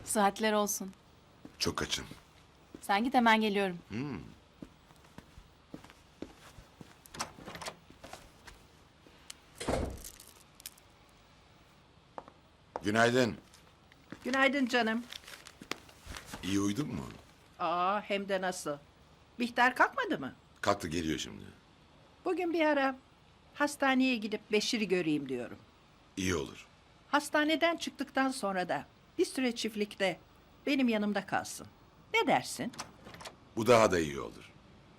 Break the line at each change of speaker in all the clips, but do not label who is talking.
Saatler olsun.
Çok açım.
Sen git hemen geliyorum.
Günaydın.
Günaydın canım.
İyi uyudun mu?
Aa, hem de nasıl? Bihter kalkmadı mı?
Kalktı, geliyor şimdi.
Bugün bir ara hastaneye gidip Beşir'i göreyim diyorum.
İyi olur.
Hastaneden çıktıktan sonra da bir süre çiftlikte benim yanımda kalsın. Ne dersin?
Bu daha da iyi olur.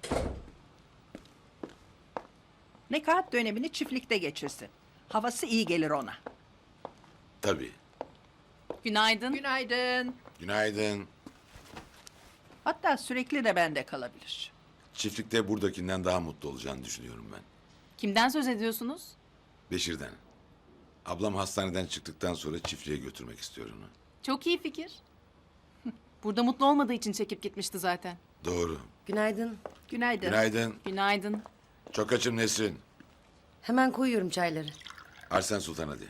Nekaat dönemini çiftlikte geçirsin. Havası iyi gelir ona.
Tabii.
Günaydın.
Günaydın.
Günaydın.
Hatta sürekli de bende kalabilir.
Çiftlikte buradakinden daha mutlu olacağını düşünüyorum ben.
Kimden söz ediyorsunuz?
Beşir'den. Ablam hastaneden çıktıktan sonra çiftliğe götürmek istiyor onu.
Çok iyi fikir. Burada mutlu olmadığı için çekip gitmişti zaten.
Doğru.
Günaydın.
Günaydın.
Günaydın.
Günaydın.
Çok açım Nesrin.
Hemen koyuyorum çayları.
Arsen Sultan hadi.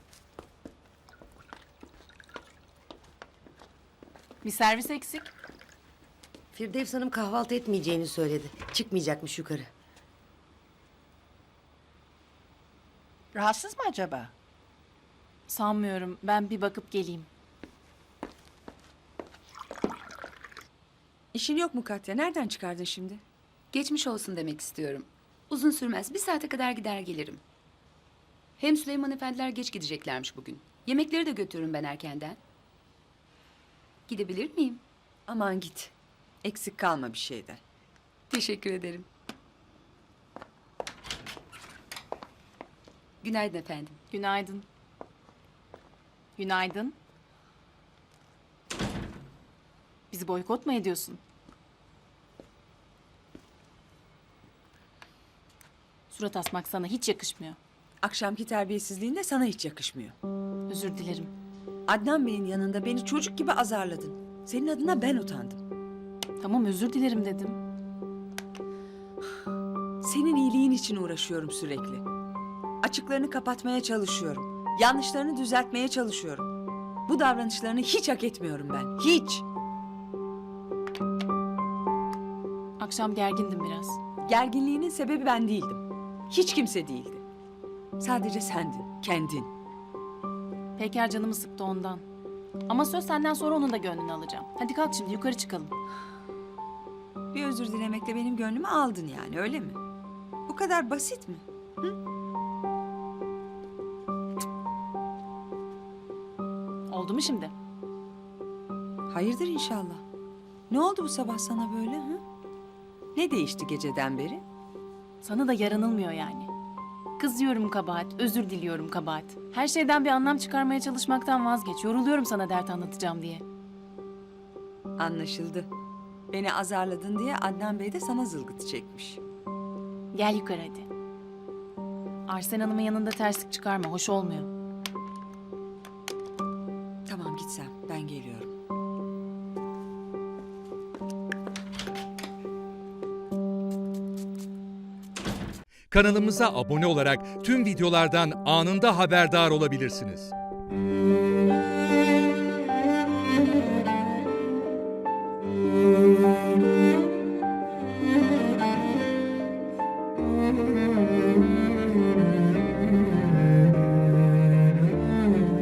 Bir servis eksik.
Firdevs Hanım kahvaltı etmeyeceğini söyledi. Çıkmayacakmış yukarı.
Rahatsız mı acaba?
Sanmıyorum. Ben bir bakıp geleyim.
İşin yok mu Katya? Nereden çıkardın şimdi?
Geçmiş olsun demek istiyorum. Uzun sürmez. Bir saate kadar gider gelirim. Hem Süleyman efendiler geç gideceklermiş bugün. Yemekleri de götürürüm ben erkenden. Gidebilir miyim?
Aman git. Eksik kalma bir şeyden.
Teşekkür ederim. Günaydın efendim.
Günaydın. Günaydın. Bizi boykot mu ediyorsun? Surat asmak sana hiç yakışmıyor.
Akşamki terbiyesizliğin de sana hiç yakışmıyor.
Özür dilerim.
Adnan Bey'in yanında beni çocuk gibi azarladın. Senin adına ben utandım.
Tamam, özür dilerim dedim.
Senin iyiliğin için uğraşıyorum sürekli. Açıklarını kapatmaya çalışıyorum. Yanlışlarını düzeltmeye çalışıyorum. Bu davranışlarını hiç hak etmiyorum ben. Hiç.
Akşam gergindim biraz.
Gerginliğinin sebebi ben değildim. Hiç kimse değildi. Sadece sendin, kendin.
Peker canımı sıktı ondan. Ama söz senden sonra onun da gönlünü alacağım. Hadi kalk şimdi yukarı çıkalım.
Bir özür dilemekle benim gönlümü aldın yani, öyle mi? Bu kadar basit mi?
Oldu mu şimdi?
Hayırdır inşallah. Ne oldu bu sabah sana böyle ha? Ne değişti geceden beri?
Sana da yaranılmıyor yani. Kızıyorum kabahat, özür diliyorum kabahat. Her şeyden bir anlam çıkarmaya çalışmaktan vazgeç. Yoruluyorum sana dert anlatacağım diye.
Anlaşıldı. Beni azarladın diye Adnan Bey de sana zılgıtı çekmiş.
Gel yukarı hadi. Arsen Hanım'ın yanında terslik çıkarma, hoş olmuyor.
Tamam git sen, ben geliyorum.
Kanalımıza abone olarak tüm videolardan anında haberdar olabilirsiniz.